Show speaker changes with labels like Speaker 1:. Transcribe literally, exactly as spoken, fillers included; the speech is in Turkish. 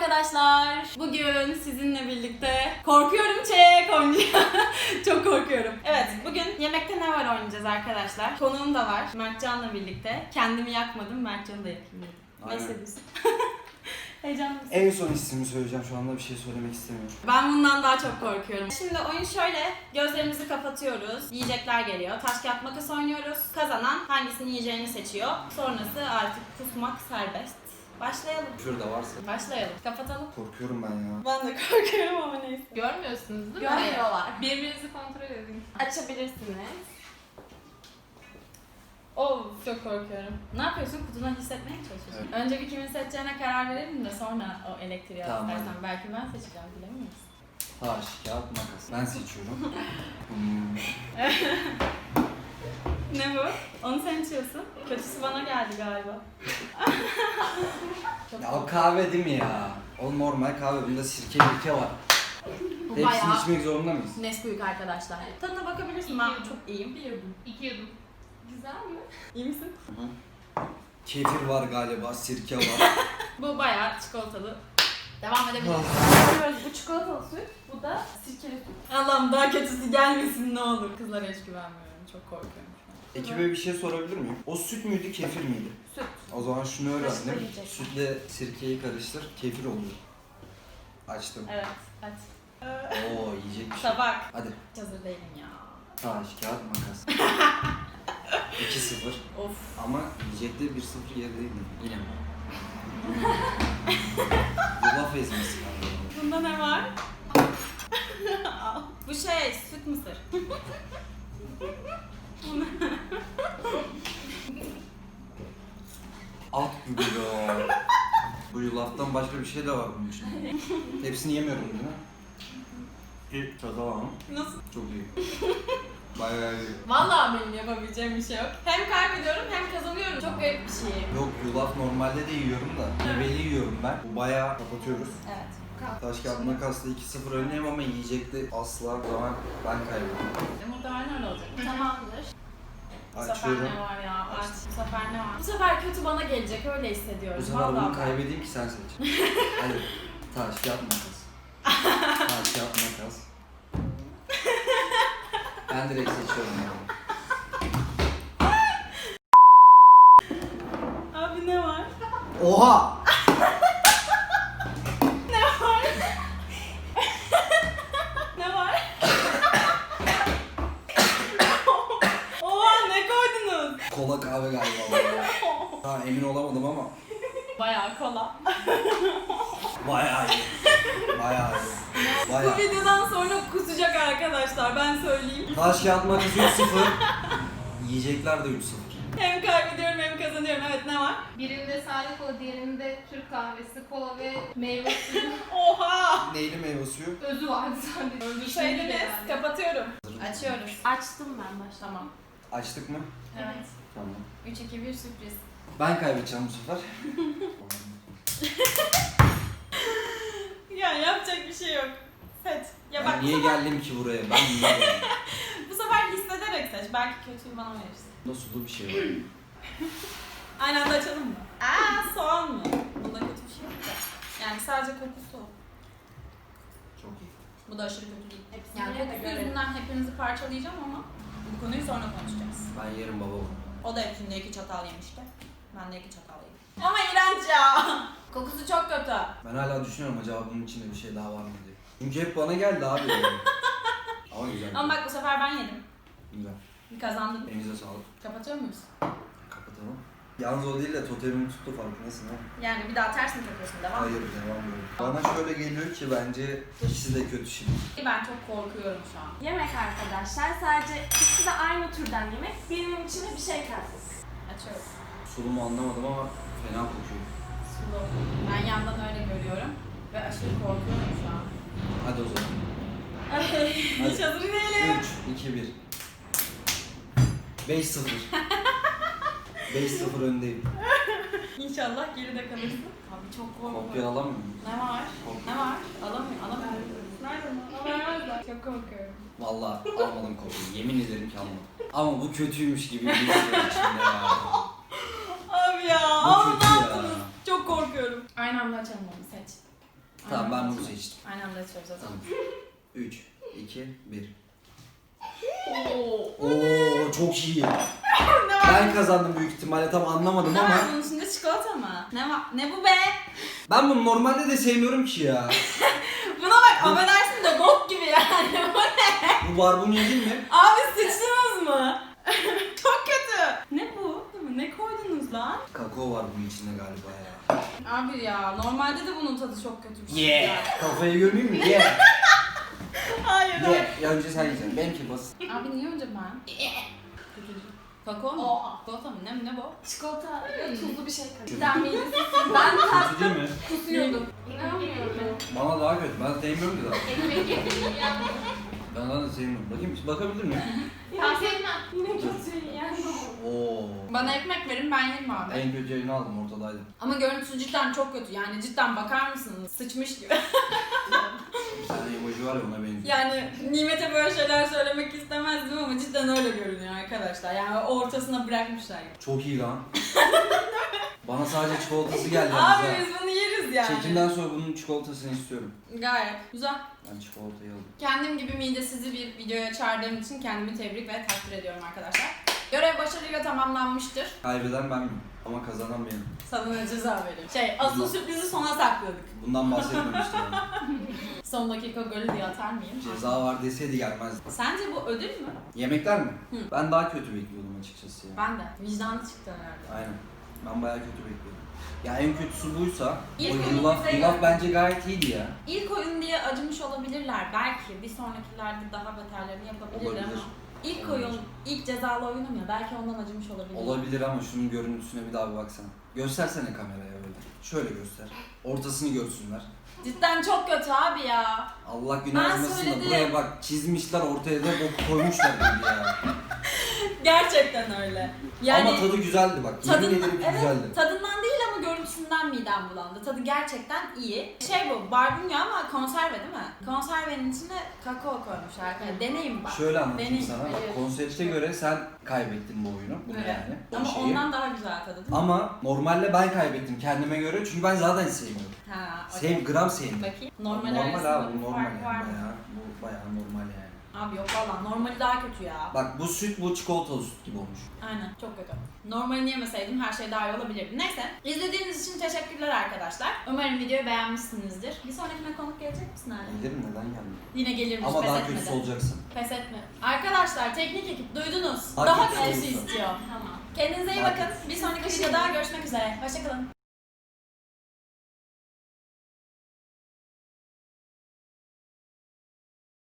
Speaker 1: arkadaşlar. Bugün sizinle birlikte korkuyorum çek oynayacağım. Çok korkuyorum. Evet, bugün yemekte ne var oynayacağız arkadaşlar. Konuğum da var. Mertcan'la birlikte. Kendimi yakmadım, Mertcan'ı da yakayım dedim. Ne hissediyorsun? Heyecanlı mısın?
Speaker 2: En son hissimi söyleyeceğim. Şu anda bir şey söylemek istemiyorum.
Speaker 1: Ben bundan daha çok korkuyorum. Şimdi oyun şöyle. Gözlerimizi kapatıyoruz. Yiyecekler geliyor. Taş kağıt makas oynuyoruz. Kazanan hangisini yiyeceğini seçiyor. Sonrası artık kusmak serbest. Başlayalım.
Speaker 2: Şurada varsa.
Speaker 1: Başlayalım. Kapatalım.
Speaker 2: Korkuyorum ben ya.
Speaker 1: Ben de korkuyorum ama neyse.
Speaker 3: Görmüyorsunuz değil mi?
Speaker 1: Görmüyorlar.
Speaker 3: Birbirinizi kontrol edin.
Speaker 1: Açabilirsiniz. Of, çok korkuyorum. Ne yapıyorsun? Kutudan hissetmeye mi çalışıyorsun?
Speaker 2: Evet.
Speaker 1: Önce bir kimin seçeceğine karar verelim de sonra o elektriği
Speaker 2: Tamam,
Speaker 1: istersen.
Speaker 2: hadi.
Speaker 1: Belki ben seçeceğim, bilemeyiz.
Speaker 2: Taş, kağıt, makas. Ben seçiyorum. hmm.
Speaker 1: Ne bu? Onu sen içiyorsun. Kötüsü bana geldi galiba. Çok
Speaker 2: Ya o kahve değil mi ya? O normal kahve. Bunda sirke mirke var.
Speaker 1: Bu
Speaker 2: Hepsini
Speaker 1: bayağı
Speaker 2: içmek zorunda mıyız?
Speaker 1: Nesquik arkadaşlar. Tadına bakabilirsin. Ben çok iyiyim.
Speaker 3: Bir yudum. İki yudum. Güzel mi?
Speaker 1: İyi misin?
Speaker 2: Kefir var galiba, sirke var.
Speaker 1: Bu bayağı çikolatalı. Devam edebiliriz. Bu çikolatalı süt, bu da sirkeli süt. Allah'ım daha kötüsü gelmesin ne olur. Kızlara hiç güvenmiyorum. Çok korkuyorum şu an.
Speaker 2: Ekibe bir şey sorabilir miyim? O süt müydü, kefir miydi?
Speaker 1: Süt.
Speaker 2: O zaman şunu öğrendim.
Speaker 1: Karıştıracak.
Speaker 2: Sütle sirkeyi karıştır, kefir oluyor. Açtım.
Speaker 1: Evet, aç.
Speaker 2: Oo, yiyecek bir şey.
Speaker 1: Tabak.
Speaker 2: Hadi.
Speaker 1: Hiç hazır değilim ya.
Speaker 2: Taş, kağıt, makas. iki sıfır.
Speaker 1: Of.
Speaker 2: Ama yiyecekte bir sıfır yer değil mi? Yine mi? Yulaf ezmesi var.
Speaker 1: Bunda ne var? Bu şey, süt mısır.
Speaker 2: At gibi ya. Bu yulaftan başka bir şey de var bunun içinde. Hepsini yemiyorum değil mi? Bir çatal ama.
Speaker 1: Nasıl?
Speaker 2: Çok iyi. Bayağı iyi.
Speaker 1: Vallahi benim yapabileceğim bir şey yok. Hem kaybediyorum hem kazanıyorum. Çok garip bir şey.
Speaker 2: Yok, yulaf normalde de yiyorum da. Meyveli yiyorum ben. Bu bayağı kapatıyoruz.
Speaker 1: Evet.
Speaker 2: Taş kağıt makasla iki sıfır önleyim ama yiyecekte asla, o zaman ben kaybettim.
Speaker 1: E, muhtemelen öyle olacak. Tamamdır. Bu sefer
Speaker 2: Açıyorum.
Speaker 1: ne var ya? Aç. Bu sefer ne var? Bu sefer kötü bana gelecek, öyle hissediyorum.
Speaker 2: Bu sefer
Speaker 1: Vallahi
Speaker 2: bunu
Speaker 1: ben.
Speaker 2: kaybedeyim ki sen seç. Hadi. Taş kağıt makas. Taş kağıt makas. Ben direkt seçiyorum yani.
Speaker 1: Abi ne var?
Speaker 2: Oha!
Speaker 1: Ne var? Ne var? Oha, ne koydunuz?
Speaker 2: Kola kahve galiba. bu. Ha, emin olamadım ama
Speaker 1: Bayağı kola.
Speaker 2: bayağı iyi. Bayağı iyi.
Speaker 1: Bu
Speaker 2: Bayağı.
Speaker 1: videodan sonra kusacak arkadaşlar, ben söyleyeyim.
Speaker 2: Taş kağıt makas üç sıfır. Yiyecekler de üç sıfır.
Speaker 1: Hem kaybediyorum hem kazanıyorum. Evet, ne var?
Speaker 3: Birinde sade kola, diğerinde Türk kahvesi, kola ve meyve suyu.
Speaker 1: Oha!
Speaker 2: Neyli meyve suyu?
Speaker 3: Özü vardı sadece.
Speaker 1: Öldürseydiniz.
Speaker 3: Yani.
Speaker 1: Kapatıyorum. Açıyoruz. Açtım ben baş. Tamam.
Speaker 2: Açtık mı?
Speaker 1: Evet.
Speaker 2: Tamam.
Speaker 1: üç iki bir sürpriz.
Speaker 2: Ben kaybedeceğim bu sefer.
Speaker 1: Ya yapacak bir şey yok. Seç. Ya
Speaker 2: Ben
Speaker 1: bak bu
Speaker 2: niye
Speaker 1: sefer,
Speaker 2: geldim ki buraya? Ben niye geldim?
Speaker 1: bu sefer hissederek seç. Belki kötüyü bana verirsin.
Speaker 2: Bunda sulu bir şey var.
Speaker 1: Aynı anda açalım mı? Aa, soğan mı? Bunda kötü bir şey yok da. Yani sadece kokusu.
Speaker 2: Çok iyi.
Speaker 1: Bu da aşırı kötü değil.
Speaker 3: Hepsini
Speaker 1: Yani
Speaker 3: de
Speaker 1: kokusu
Speaker 3: görelim.
Speaker 1: yüzünden hepinizi parçalayacağım ama bu konuyu sonra konuşacağız.
Speaker 2: Ben yerim baba bunu.
Speaker 1: O da hepsinde iki çatal yemişti. Ben de iki çatal yedim. Ama iğrenç ya. Kokusu çok kötü.
Speaker 2: Ben hala düşünüyorum acaba bunun içinde bir şey daha var mı diye. Çünkü hep bana geldi abi. Ama güzel.
Speaker 1: Ama bak bu sefer ben yedim.
Speaker 2: Güzel.
Speaker 1: Kazandım.
Speaker 2: Elinize sağlık.
Speaker 1: Kapatıyor muyuz?
Speaker 2: Kapatalım. Yalnız o değil de totemimi tuttu farkındasın ha?
Speaker 1: Yani bir daha ters mi takıyorsun? Devam mı?
Speaker 2: Hayır, devam böyle. Bana şöyle geliyor ki bence ikisi de kötü şimdi.
Speaker 1: Ben çok korkuyorum şu an.
Speaker 4: Yemek arkadaşlar, sadece ikisi de aynı türden yemek. Birinin içine bir şey kattık.
Speaker 1: Açıyorum.
Speaker 2: Sulu mu anlamadım ama fena kokuyor.
Speaker 1: Sulu. Ben yandan öyle görüyorum. Ve aşırı korkuyorum şu an.
Speaker 2: Hadi o zaman.
Speaker 1: Hiç hazır değilim.
Speaker 2: üç, iki, bir. beş sıfır. beş sıfır öndeyim.
Speaker 1: İnşallah geride kalırsın. Abi çok korkuyorum.
Speaker 2: Kopya alamıyor muyum?
Speaker 1: Ne var?
Speaker 2: Kopya.
Speaker 1: Ne var? Alamıyorum. Alamıyorum. Nerede? Alamıyorum. Çok korkuyorum.
Speaker 2: Vallahi almadım kopyayı. Yemin ederim ki almadım. Ama bu kötüymüş gibi bir hissediyorum içimde ya.
Speaker 1: Abi ya.
Speaker 2: Bu
Speaker 1: Ama
Speaker 2: kötü
Speaker 1: ne
Speaker 2: ya.
Speaker 1: yaptınız? Çok korkuyorum. Aynı anda açalım onu, seç.
Speaker 2: Tamam ben
Speaker 1: Aynen.
Speaker 2: bunu seçtim.
Speaker 1: Aynı anda içiyoruz zaten.
Speaker 2: Tamam. üç, iki, bir.
Speaker 1: Oo.
Speaker 2: Oo çok iyi.
Speaker 1: Ne var?
Speaker 2: Ben kazandım büyük ihtimalle, tam anlamadım
Speaker 1: Ne
Speaker 2: ama.
Speaker 1: var bunun içinde, çikolata mı? Ne var? Ne bu be?
Speaker 2: Ben bunu normalde de sevmiyorum ki ya.
Speaker 1: Buna bak, affedersin de bok gibi yani. Bu ne?
Speaker 2: Bu barbunya değil mi?
Speaker 1: Abi sıçtınız mı? Çok kötü. Ne bu? Ne koydunuz lan?
Speaker 2: Kakao var bunun içinde galiba ya.
Speaker 1: Abi ya, normalde de bunun tadı çok kötü bir şey.
Speaker 2: Yeah. Kafayı görmeyeyim mi? Yeah.
Speaker 1: Hayır hayır.
Speaker 2: Yeah. Ya önce sen yiyeceksin. Benimki basit.
Speaker 1: Abi niye önce ben? Kakao mu?
Speaker 4: Oha.
Speaker 1: Çikolata mı? Ne, ne bu?
Speaker 4: Çikolata ve tuzlu bir şey
Speaker 2: Kötü.
Speaker 4: karıştı. Ben midesi. Ben
Speaker 2: Kötü
Speaker 4: tattım.
Speaker 2: değil mi?
Speaker 1: Kusuyordum.
Speaker 4: İnanmıyorum.
Speaker 2: Bana daha kötü. Ben sevmiyorum ki daha.
Speaker 3: Ekmek yemeği ya.
Speaker 2: Ben daha da sevmiyorum. Bakayım, bakabilir miyim?
Speaker 3: Ben sevmem.
Speaker 4: Yine kötü yani.
Speaker 2: Oo.
Speaker 1: Bana ekmek verin, ben yerim abi.
Speaker 2: En kötü yerini aldım, ortadaydı.
Speaker 1: Ama görüntüsü cidden çok kötü, yani cidden bakar mısınız? Sıçmış gibi.
Speaker 2: Bir tane emoji var ya, ona benziyor.
Speaker 1: Yani Nimet'e böyle şeyler söylemek istemezdim ama cidden öyle görünüyor arkadaşlar. Yani ortasına bırakmışlar gibi.
Speaker 2: Çok iyi lan. Bana sadece çikolatası geldi
Speaker 1: Abi
Speaker 2: yalnız ha.
Speaker 1: biz bunu yeriz yani.
Speaker 2: Çekimden sonra bunun çikolatasını istiyorum.
Speaker 1: Gayet güzel.
Speaker 2: Ben çikolatayı aldım.
Speaker 1: Kendim gibi midesizi bir videoya çağırdığım için kendimi tebrik ve takdir ediyorum arkadaşlar. Görev başarıyla tamamlanmıştır.
Speaker 2: Kaybeden ben miyim? Ama kazanan benim.
Speaker 1: Sana da ceza vereyim. Şey, asıl sürprizi sona sakladık.
Speaker 2: Bundan bahsetmemiştim ben.
Speaker 1: Son dakika golü diye atar mıyım?
Speaker 2: Ceza var deseydi gelmezdi.
Speaker 1: Sence bu ödül mü?
Speaker 2: Yemekler mi?
Speaker 1: Hı.
Speaker 2: Ben daha kötü bekliyordum açıkçası ya.
Speaker 1: Ben de. Vicdanı çıktı herhalde.
Speaker 2: Aynen. Ben bayağı kötü bekliyordum. Ya en kötüsü buysa,
Speaker 1: İlk
Speaker 2: o
Speaker 1: oyunu
Speaker 2: yulaf,
Speaker 1: bize
Speaker 2: yulaf
Speaker 1: gör.
Speaker 2: bence gayet iyiydi ya.
Speaker 1: İlk oyun diye acımış olabilirler belki. Bir sonrakilerde daha beterlerini yapabilirler
Speaker 2: Olabilir.
Speaker 1: ama. İlk
Speaker 2: Olabilir.
Speaker 1: oyun, ilk cezalı oyunum ya, belki ondan acımış olabilir.
Speaker 2: Olabilir ama şunun görüntüsüne bir daha bir baksana. Göstersene kameraya öyle. Şöyle göster. Ortasını görsünler.
Speaker 1: Cidden çok kötü abi ya.
Speaker 2: Allah günah
Speaker 1: Ben
Speaker 2: yazmasın da
Speaker 1: söyledim.
Speaker 2: buraya bak, çizmişler, ortaya da boku koymuşlar gibi ya.
Speaker 1: Gerçekten öyle. Yani
Speaker 2: Ama tadı güzeldi bak. Yemin
Speaker 1: tadın-
Speaker 2: ederim ki
Speaker 1: evet,
Speaker 2: güzeldi.
Speaker 1: tadından değil ama görüntüsünden midem bulandı. Tadı gerçekten iyi. Şey bu, barbunya ama konserve değil mi? Konservenin içine kakao koymuşlar. Yani deneyim bak.
Speaker 2: Şöyle anlatayım
Speaker 1: Deneyim.
Speaker 2: sana. Bak,
Speaker 1: Evet.
Speaker 2: konsepte göre sen kaybettin bu oyunu. Bunu
Speaker 1: Evet.
Speaker 2: yani. O
Speaker 1: Ama
Speaker 2: şeyi.
Speaker 1: ondan daha güzel tadı değil mi?
Speaker 2: Ama normalde ben kaybettim kendime göre, çünkü ben zaten sevmiyorum.
Speaker 1: Ha, okey.
Speaker 2: Sev, gram sevmiyorum.
Speaker 1: Bakayım. Normal,
Speaker 2: Normal
Speaker 1: arasında
Speaker 2: abi,
Speaker 1: bir
Speaker 2: bu normal
Speaker 1: fark
Speaker 2: yani
Speaker 1: var mı?
Speaker 2: bayağı. Bu bayağı normal yani.
Speaker 1: Abi yok valla, normali daha kötü ya.
Speaker 2: Bak bu süt, bu çikolatalı süt gibi olmuş.
Speaker 1: Aynen, çok kötü. Normalini yemeseydim her şey daha iyi olabilirdi. Neyse, izlediğiniz için teşekkürler arkadaşlar. Umarım videoyu beğenmişsinizdir. Bir sonrakine konuk gelecek misin Ali?
Speaker 2: Gelirim, neden gelmiyor?
Speaker 1: Yine gelirmiş,
Speaker 2: Ama
Speaker 1: pes
Speaker 2: daha
Speaker 1: etmedi.
Speaker 2: kötüsü olacaksın.
Speaker 1: Pes etme. Arkadaşlar, teknik ekip duydunuz.
Speaker 2: Daha
Speaker 1: Daha
Speaker 2: kötüsü
Speaker 1: kötüsü
Speaker 2: olursa.
Speaker 1: istiyor.
Speaker 4: Tamam.
Speaker 1: Kendinize iyi
Speaker 2: Daha
Speaker 1: bakın. Bir sonraki videoda görüşmek üzere. Hoşçakalın.